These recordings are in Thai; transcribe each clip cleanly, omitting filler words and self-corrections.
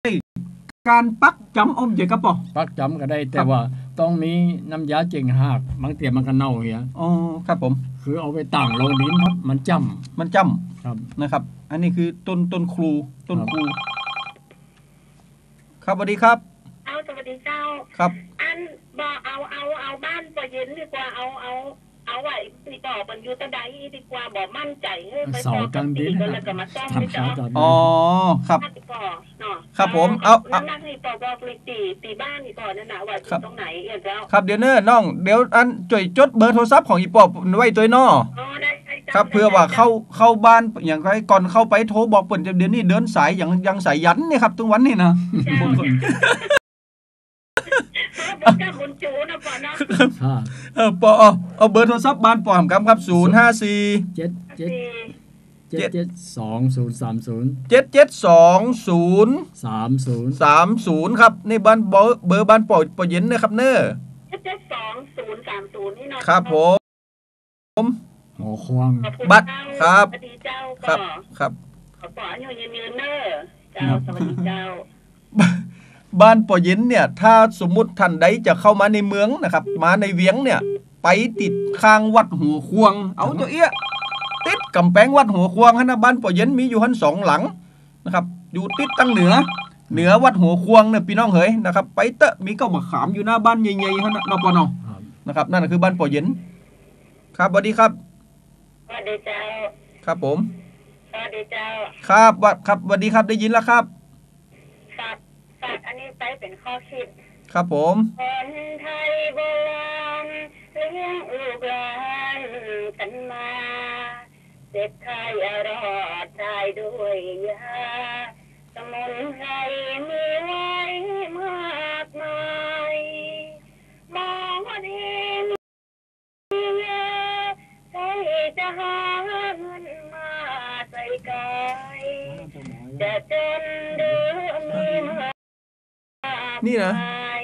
การปักจำอมเจกับปอปักจำก็ได้แต่ว่าต้องมีน้ำยาเจงหักบางเตียมันก็เน่าเงี้ยอ๋อครับผมคือเอาไปตั้งลงดินครับมันจำครับนะครับอันนี้คือต้นครูครับสวัสดีครับสวัสดีเจ้าครับอันบอกเอาบ้านปอเย็นดีกว่าเอาไว้ตีต่อมันอยู่ตะไดดีกว่าบอกมั่นใจไปต่อกันดีแล้วก็มาซ่อมให้เจ้าอ๋อครับครับผมนั่งให้ปอบอกเลยตีบ้านอีกก่อนนั่นนะว่าตรงไหนเจ้าครับเดี๋ยวน้องเดี๋ยวอันจ่อยจดเบอร์โทรศัพท์ของอีปอบไว้ตัวน้อครับเพื่อว่าเข้าบ้านอย่างไรก่อนเข้าไปโทรบอกเปิ่นเดี๋ยวนี้เดินสายยังสายยันเนี่ยครับทุกวันนี่นะคุณจูนะปอเนาะปอเอาเบอร์โทรศัพท์บ้านปอมครับ054 7723030 ครับนี่บ้านเบอร์บ้านปอเย็นนะครับเน้อ 77230นี่เนาะครับผมหัวควงบัตรครับสวัสดีเจ้าครับขอปออยู่ยืนเน้อเจ้าสวัสดีเจ้าบ้านปอเย็นเนี่ยถ้าสมมุติท่านใดจะเข้ามาในเมืองนะครับมาในเวียงเนี่ยไปติดข้างวัดหัวควงเอาเจ้าเอี้ยติดกำแพงวัดหัวควงฮะนะบ้านปอเย็นมีอยู่หัน2 หลังนะครับอยู่ติดตั้งเหนือวัดหัวควงเนี่ยพี่น้องเอ๋ยนะครับไปเตะมีเก้ามะขามอยู่หน้าบ้านใหญ่ๆฮะนะนปนนะครับนั่นคือบ้านปอเย็นครับสวัสดีครับสวัสดีเจ้าครับผมสวัสดีเจ้าครับสวัสดีครับได้ยินแล้วครับอันนี้ไปเป็นข้อคิดครับผมคนไทยโบราณเลี้ยงลูกหลานกันมาเจ็บไข้รอดตายด้วยยาสมุนไพรมีไว้มากมายมองว่าดีมีเยอะใครจะหาเงินมาใส่กายจะจนหรือมีนี่นะ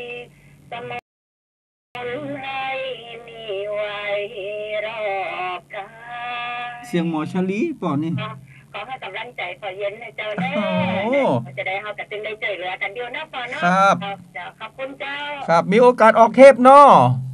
เสียงหมอชลีป่อนี่ขอให้กำลังใจปอเย็นในเจ้าแน่จะได้เฮาจะตึงได้ใจเหลือกันเดียวนะปอเนาะครับขอบคุณเจ้าครับมีโอกาสออกเทปเนาะ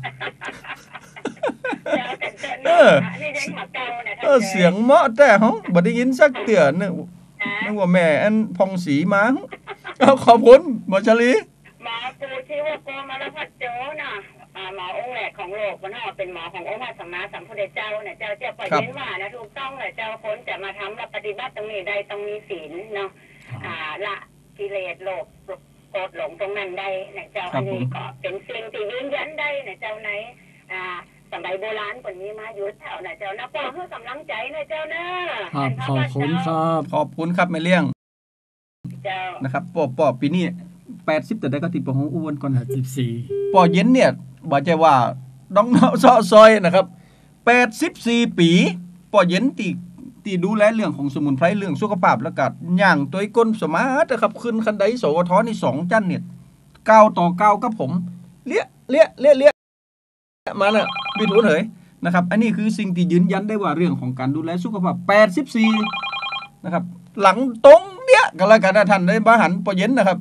เสียงเหมาะแต่เฮาบ่ได้ยินสักเตือนนึกว่าแม่อันพองสีมาขอบคุณหมอชลีหมอปูชื่อว่าโกมารพัฒโจนะหมอองค์แรกของโลกมันเป็นหมอขององค์พระสัมมาสัมพุทธเจ้าเนี่ยเจ้าปล่อยเย็นว่านะถูกต้องเลยเจ้าคนจะมาทำและปฏิบัติตรงนี้ได้ต้องมีศีลเนาะละกิเลสโลภโกรธหลงตรงนั้นได้เนี่ยเจ้าอันนี้ก็เป็นสิ่งที่ยืนยันได้เนี่ยเจ้าไหนสมัยโบราณคนนี้มาอยู่แถวเนี่ยเจ้านะป้อเพื่อกำลังใจเนี่ยเจ้านะขอบคุณครับขอบคุณครับแม่เลี้ยงนะครับปอปีนี้80แต่ได้ก็ติดปอของอ้วนก่อน 84 ปอเย็นเนี่ยบ่ใจว่าน้องเซาะซอยนะครับ84ปีปอเย็นตีดูแลเรื่องของสมุนไพรเรื่องสุขภาพแล้วก็ย่างตัวก้นสมาร์ทนะครับขึ้นคันไดสวทนี่2จันเนี่ย9 ต่อ 9กับผมเลี้ยมาแล้วบิดหัวเหยนะครับอันนี้คือสิ่งที่ยืนยันได้ว่าเรื่องของการดูแลสุขภาพ84นะครับหลังตรงเนี่ยกันแล้วกันนะท่านได้มาหันปอเย็นนะครับ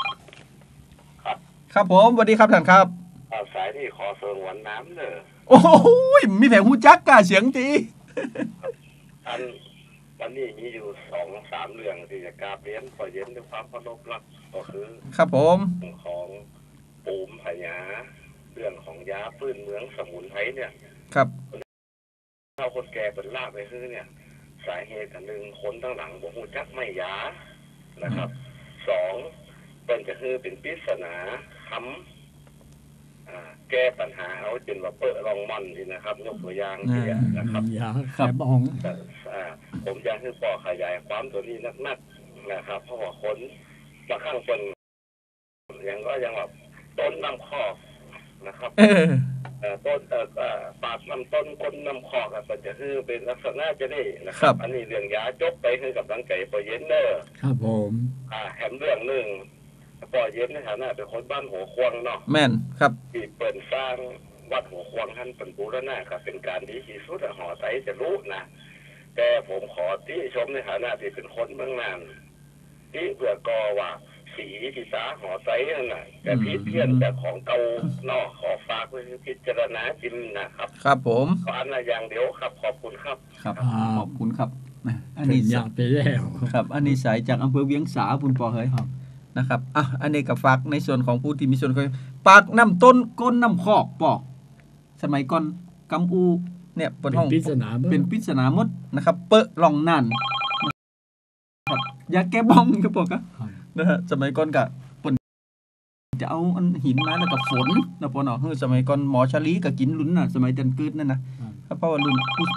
ครับผมสวัสดีครับท่านครับสายที่ขอเสริมหวานน้ำเนอะโอ้ยมีแผงหูจักกะเสียงจีวันนี้มีอยู่2-3เรื่องที่จะกราบเรียนขอเย็นด้วยความเคารพรักก็คือครับผมของปูมพญาเรื่องของยาพื้นเมืองสมุนไพรเนี่ยครับเราคนแก่เป็นลาบไปคือเนี่ยสาเหตุอันหนึ่งคนตั้งหลังบอกหูจักไม่ยานะครับ2เป็นก็คือเป็นปริศนาคำแก้ปัญหาเอาจนว่าเปิดรองมันนี่นะครับยกตัวอย่างที่นะครับครับผมอยากให้ปอขยายความตัวนี้นักๆนะครับเพราะว่าคนบางครั้งคนยังแบบต้นน้ำคอกนะครับต้นปากน้ำต้นก้นน้ำคอกก็จะคือเป็นลักษณะจะได้นะครับอันนี้เรื่องยาจบไปคือกับร่างกายปอเย็นเนอร์ครับผมแถมเรื่องหนึ่งปอเย็นในฐานะเป็นคนบ้านหัวควงเนาะแม่นครับที่เปิดสร้างวัดหัวควงท่านเป็นบูรณะครับเป็นการดีที่สุดหอไตจะรู้นะแต่ผมขอที่ชมในฐานะที่เป็นคนเมืองนานที่เพื่อกอว่าสีพิษาหอไซนั่นน่ะแต่พิเพี้ยนแต่ของเก่านอกขอฝากไว้พิจารณาจิมนะครับครับผมขออันละอย่างเดียวครับขอบคุณครับครับขอบคุณครับอันนี้อยากไปแล้วครับอันนี้สายจากอำเภอเวียงสาคุณปอเฮ้ยนะครับอันนี้ก็ฝากในส่วนของผู้ที่มีส่วนปากน้ำต้นก้นน้ำคอกปอกสมัยก่อนกำอูเนี่ยเป็นห้องเป็นปริศนาหมดนะครับเปอะลองนั่นครับยาแก้บ้องครับปอกนะฮะสมัยก่อนก็จะเอาอันหินมาแล้วก็ฝนนะปอเนาะสมัยก่อนหมอชาลีก็กินลุ้นน่ะสมัยจันกึดนั่นนะครับเพราะว่าลุ้น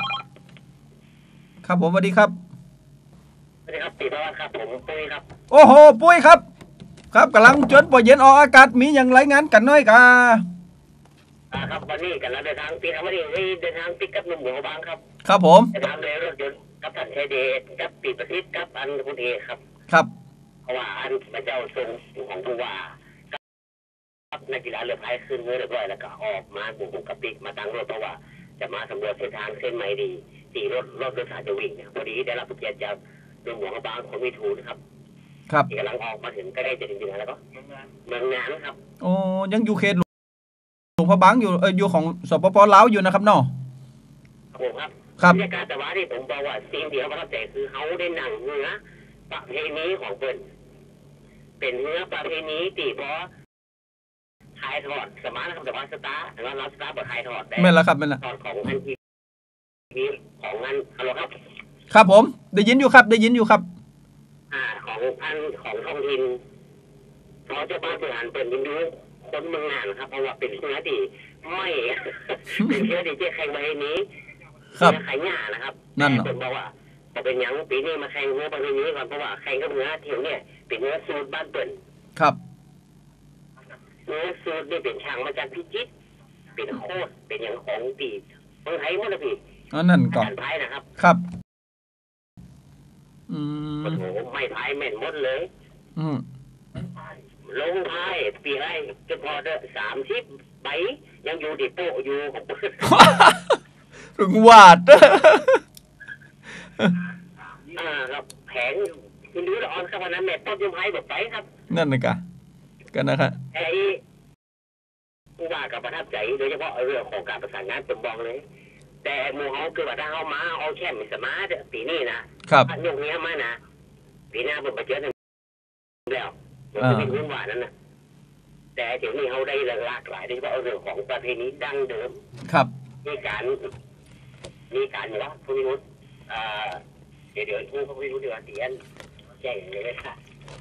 ครับผมสวัสดีครับสวัสดีครับติดแล้วครับผมปุ้ยครับโอ้โหปุ้ยครับครับกำลังจนปอเย็นออกอากาศมีอย่างไรงานกันน้อยกาครับวันนี้กันแล้วเดินทางปีครับวันนี้เดินทางปิกกับหนุ่มหัวบางครับครับผมเดินทางเลยรถยนต์กับท่านชัยเดชกับปีประสิทธิ์กับอันคุณเอครับครับเพราะว่าอันพระเจ้าทรงของผู้ว่านักกีฬาเรือพายขึ้นเรียบร้อยแล้วก็ออกมาบุกกับปีมาตั้งรถเพราะว่าจะมาสำรวจเส้นทางเส้นใหม่ดีตีรถโดยสารจะวิ่งเนี่ยพอดีได้รับเกียรติจากหนุ่มหัวบางของมิถูนะครับครับกำลังออกมาถึงใกล้จะถึงแล้วก็เมืองงานครับโอ้ยังอยู่เขตหลวงพระบางอยู่อยู่ของสปป.ลาวอยู่นะครับเนาะครับบรรยากาศแต่ว่าที่ผมบอกว่าสิ่งเดียวประทับใจคือเขาได้นั่งเรือประเพณีของเพิ่นเป็นเรือประเพณีตีเพราะถ่ายทอดสมาร์ทนะครับแต่ว่าสตาร์แต่ว่าเราสตาร์แบบถ่ายทอดได้ไม่ละครับไม่ละทอดของอันที่มีของงานฮัลโหลครับครับผมได้ยินอยู่ครับได้ยินอยู่ครับของอันของท้องถิ่นเขาจะบ้านบริหารเปิดยินดูคนเมืองนานครับเพราะว่าเป็นเชื้อดีไม่เป็นเชื้อดีที่แข่งมาให้นี้ครับแข่งหน้านะครับนั่นเหรอผมบอกว่าพอเป็นยังปีนี้มาแข่งเนื้อประเพณีก่อนเพราะว่าแข่งกับเนื้อเที่ยวเนี่ยเป็นเนื้อสูตรบ้านเปิดครับเนื้อสูตรนี่เป็นช่างมาจากพิจิตรเป็นโคตรเป็นอย่างของปีเมืองไทยหมดเลยพี่นั่นก่อนการพายนะครับครับโอ้โหไม่พายแม่นหมดเลยลงพายปีไรจะพอได้30 ใบยังอยู่ดิโป้อยู่ของถึงวาดครับแผงคุณดูละออนครับวันนั้นแม่ต้นยังพายแบบไปครับนั่นนะกันนะครับไอ้ผู้ว่ากับประทับใจโดยเฉพาะเรื่องของการประสานงานผมบอกเลยแต่หมู่เขาคือว่าถ้าเขามาเอาแค่ไม่สมาร์ทปีนี้นะครับยกนี้มานะปีหน้าผมไปเจอกันแล้วจะเป็นเรื่องหวานนั้นนะแต่เดี๋ยวนี้เขาได้หลากหลายโดยเฉพาะเรื่องของประเพณีดั้งเดิมครับมีการอยู่แล้วผู้พิรุธเดี๋ยวผู้พิรุธเดี๋ยวเตียนแจ้งเลยค่ะ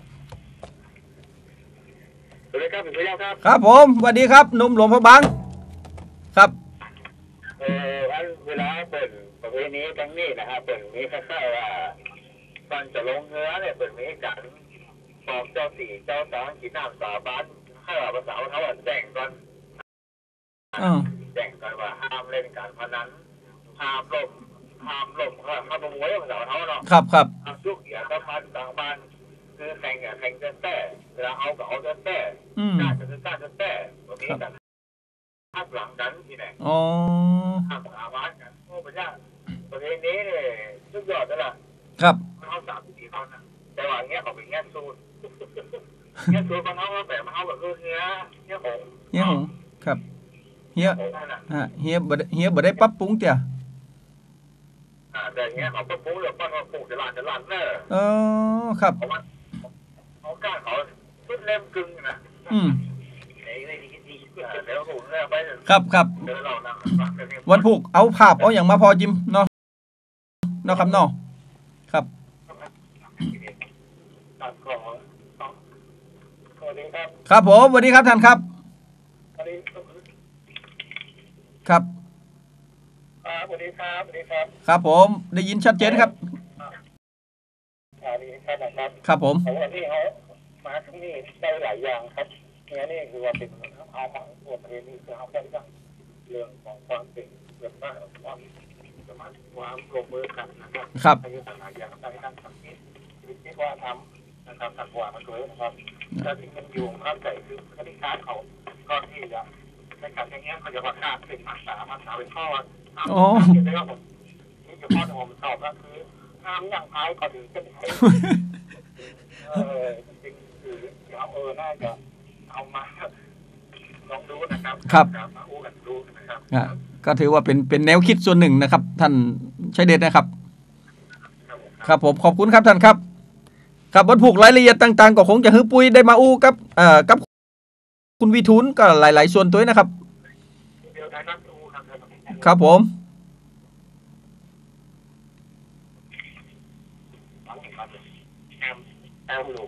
สวัสดีครับเป็นไปแล้วครับครับผมสวัสดีครับหนุ่มหลวงพระบางครับอันเวลาเปิดประเพณีครั้งนี้นะครับเปิดมีคล้ายๆว่าก่อนจะลงเรือเนี่ยเปิดมีการบอกเจ้าสี่เจ้าสองขีดน้ำสาบานให้ภาษาเขาแจ้งก่อนแจ้งก่อนว่าห้ามเล่นการพนันห้ามล่มห้ามมวยภาษาเขาเนาะครับยุกอย่าเข้าพันต่างบ้านคือแข่งแต่เวลาเอากับเอาแต่กล้าจะแต่แบบนี้กันภาคหลังกันที่ไหนห้ามสาบานกันโอ้พระเจ้าประเพณีเนี่ยสุดยอดเลยล่ะครับเขา3-4คนนะแต่ว่าเงี้ยเขาเป็นเงี้ยซูนเงี้ยซูนมันเขาแบบเงี้ยหงครับเฮียบ่ได้ปรับปรุงเตี่ยแต่เงี้ยเขาปรับปรุงเรื่องปั้นว่าปลูกจะลานเนอะครับเขากล้าเขาชุดเล่มกึ่งนะเดี๋ยวผมเนี่ยไปครับวันพุกเอาภาพเอาอย่างมาพอจิมเนาะครับเนาะครับครับผมสวัสดีครับท่านครับครับสวัสดีครับครับผมได้ยินชัดเจนครับครับผมวันนี้เขามาที่นี่ได้หลายอย่างครับนี่คือว่าเป็นเอาของตัวประเทศนี้คือเอาได้เรื่องของความเป็นเรื่องบ้านความสมาธิความลงมือกันนะครับครับในสถานอย่างในด้านสังคมที่ว่าทำนะครับสังวามาด้วยนะครับถ้าถึงมันอยู่ข้ามใจคือคดีการเขาก็ที่จะในการอย่างเงี้ยเขาจะว่าการเป็นมาสาเป็นข้อเห็นไหมครับผมนี่คือข้อที่ผมตอบก็คือห้ามอย่างท้ายก่อนถึงจะจริงคือน่าจะเอามาลองดูนะครับครับมาอู้กันดูนะครับก็ถือว่าเป็นแนวคิดส่วนหนึ่งนะครับ ท่านชัยเดชนะครับ ครับผมขอบคุณครับท่านครับครับวันผูกรายละเอียดต่างๆก็คงจะฮื้อปุ้ยได้มาอู้กับคุณวิทูลก็หลายๆส่วนตัวนะครับเดี๋ยวได้รับดูครับครับผมแอมหนู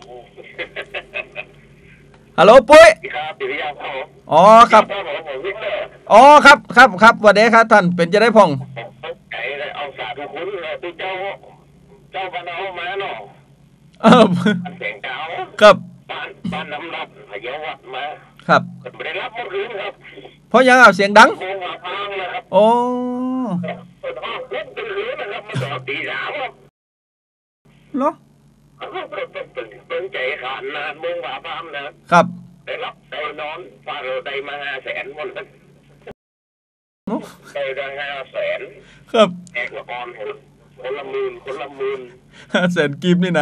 ฮัลโหลปุ้ยครับปิริยาพ่ออ๋อครับพ่อบอกผมวิกเตอร์อ๋อครับสวัสดีครับท่านเป็นจะได้พองไก่เลยเอาสาธุคุณเลยตัวเจ้าบ้านเอามาเนาะ มันเสียงเก่าครับบ้านน้ำรับพยาวัดมาครับไม่ได้รับเมื่อคืนครับเพราะยังเอาเสียงดังโมงพังนะครับโอ้เปิดห้องเล่นเป็นคืนนะครับมาต่อตีสามครับเหรอเป็นใจขาดนานโมงพังนะครับได้รับได้นอนฟาเราได้มา500,000วันนั้นได้500,000 ครับแอกละออนคนละหมื่นแสนกิมนี่นะ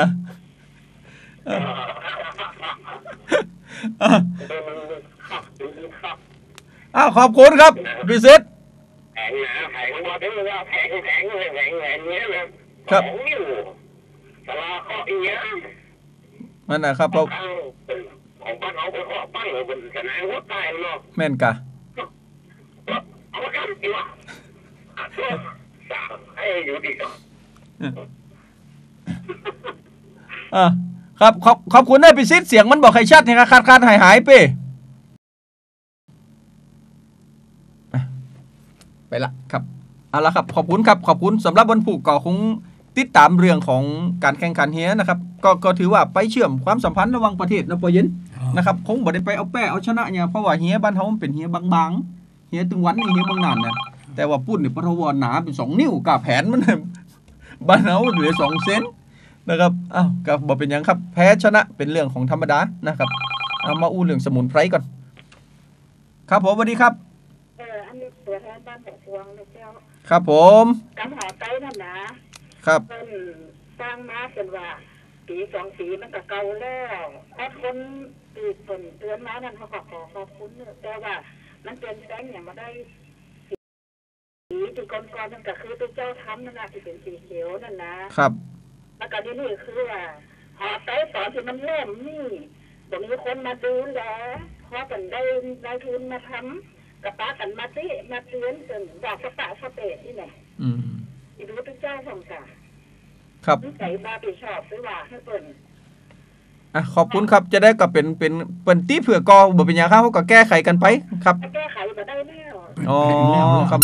อ้าวขอบคุณครับพิเศษแผงหนาแผงมาถึงแล้วแผงเนี้ยเลย2 นิ้วสลาข้ออีเนี้ยนั่นนะครับเพราะของบ้านเขาเป็นข้อปั้งเป็นสนามหัวใต้เนาะแม่นกะเอาละกันดีว่าสามให้อยู่ดีก็ครับขอบคุณได้พิเศษเสียงมันบอกใครชัดนะครับขาดหายไปละครับเอาละครับขอบคุณครับขอบคุณสำหรับวันผูกก็คงติดตามเรื่องของการแข่งขันเฮียนะครับก็ถือว่าไปเชื่อมความสัมพันธ์ระหว่างประเทศนะปอเย็นนะครับคงบ่ได้ไปเอาแป้เอาชนะเนี่ยเพราะว่าเฮียบ้านเขามันเป็นเฮียบางๆเฮียตึงวันนี่เฮียบางนานนะแต่ว่าปุ้นเนี่ยปทวหนาเป็น2 นิ้วกับแผนมันบ้านเขาเหลือ2 เซนนะครับอ้าวก็บ่เป็นยังครับแพ้ชนะเป็นเรื่องของธรรมดานะครับเอามาอู้เรื่องสมุนไพรก่อนครับผมสวัสดีครับอันนี้ตัวแทนบ้านหัวพวงนะเจ้าครับผมกำหาไต้นั่นนะครับ เพิ่นสร้างมาเป็นว่าปี2 ปีมันก็เก่าแล้วถ้าคนตีเพิ่นเตือนมานั่นเขาก็ขอบคุณแต่ว่ามันเปลี่ยนแปลงอย่างมาได้สีที่ก่อนๆนั่นก็คือตัวเจ้าทำนั่นนะที่เป็นสีเขียวนั่นนะครับ แล้วก็นี่คือว่าหอไต้ตอนที่มันเริ่มนี่บ่มีคนมาดูแลพอเป็นได้นายทุนมาทำกับป้ากันมาเตือนจนว่าสปะสเปดนี่แหละ ที่รู้ตัวเจ้าของกาครับใส่มาไปชอบซื้อว่าให้เปิ่นขอบคุณครับจะได้ก็เป็นตีเผื่อกอบ่เป็นหยังครับเขาก็แก้ไขกันไปครับแก้ไขมาได้แล้วอ๋อครับ